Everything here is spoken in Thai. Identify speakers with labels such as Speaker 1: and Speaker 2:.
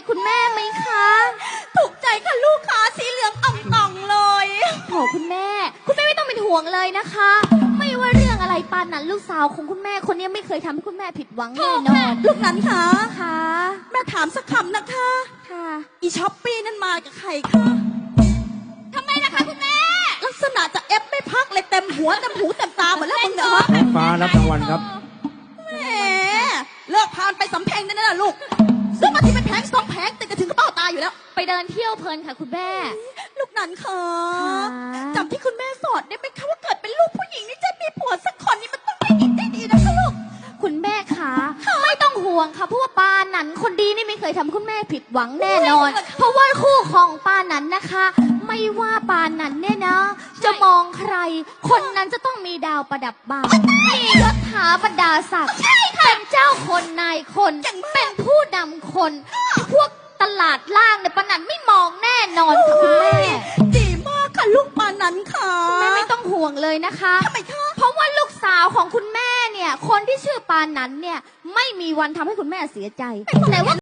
Speaker 1: คุณแม่ไหมคะ
Speaker 2: ถูกใจค่ะลูกค้าสีเหลืองอ่องต่องเลย
Speaker 1: โอ้คุณแม่ไม่ต้องเป็นห่วงเลยนะคะไม่ว่าเรื่องอะไรปานนั้นลูกสาวของคุณแม่คนนี้ไม่เคยทำให้คุณแม่ผิดหวังแน่นอน
Speaker 2: ลูกนั้นค่ะ
Speaker 1: ค่ะ
Speaker 2: แม่ถามสักคำนะคะ
Speaker 1: ค่ะ
Speaker 2: อีช้อปปี้นั่นมากับใครคะ
Speaker 1: ทำไมนะคะคุณแม่
Speaker 2: ลักษณะจะเอฟไม่พักเลยเต็มหัวเต็มหูเต็มตาหมดแล้วมึงเนี่ยฮะ
Speaker 3: ฟ้ารับรางวัลครับ
Speaker 2: แหมเลิกพานไปสำเพ็งนั่นน่ะลูกซื้อมาที่เป็นแผงสองแผงติดกันถึงกระเป๋าตาอยู่แล้ว
Speaker 1: ไปเดินเที่ยวเพลินค่ะคุณแม่
Speaker 2: ลูกนั้นค่ะจำที่คุณแม่สอนได้ไหมคะว่าเกิดเป็นลูกผู้หญิงนี่จะมีผัวสักคนนี่มันต้องได้ดีได้ดีนะคะลูก
Speaker 1: คุณแม่คะไม่ต้องห่วงค่ะเพราะว่าปานันคนดีนี่ไม่เคยทำคุณแม่ผิดหวังแน่นอนเพราะว่าคู่ของปานันนะคะไม่ว่าปานันเนี่ยนะจะมองใครคนนั้นจะต้องมีดาวประดับบ่ามียศถาบรรดาศักดิ์เป็นเจ้าคนนายคนเป็นผู้นำคนพวกตลาดล่างเนี่ยปานันไม่มองแน่นอนค่ะคุณแม่
Speaker 2: ดีมากค่ะลูกปานันค่ะ
Speaker 1: แม่ไม่ต้องห่วงเลยนะคะ
Speaker 2: ทำไมคะ
Speaker 1: เพราะว่าลูกสาวของคุณแม่เนี่ยคนที่ชื่อปานันเนี่ยไม่มีวันทำให้คุณแม่เสียใจแต่ว่า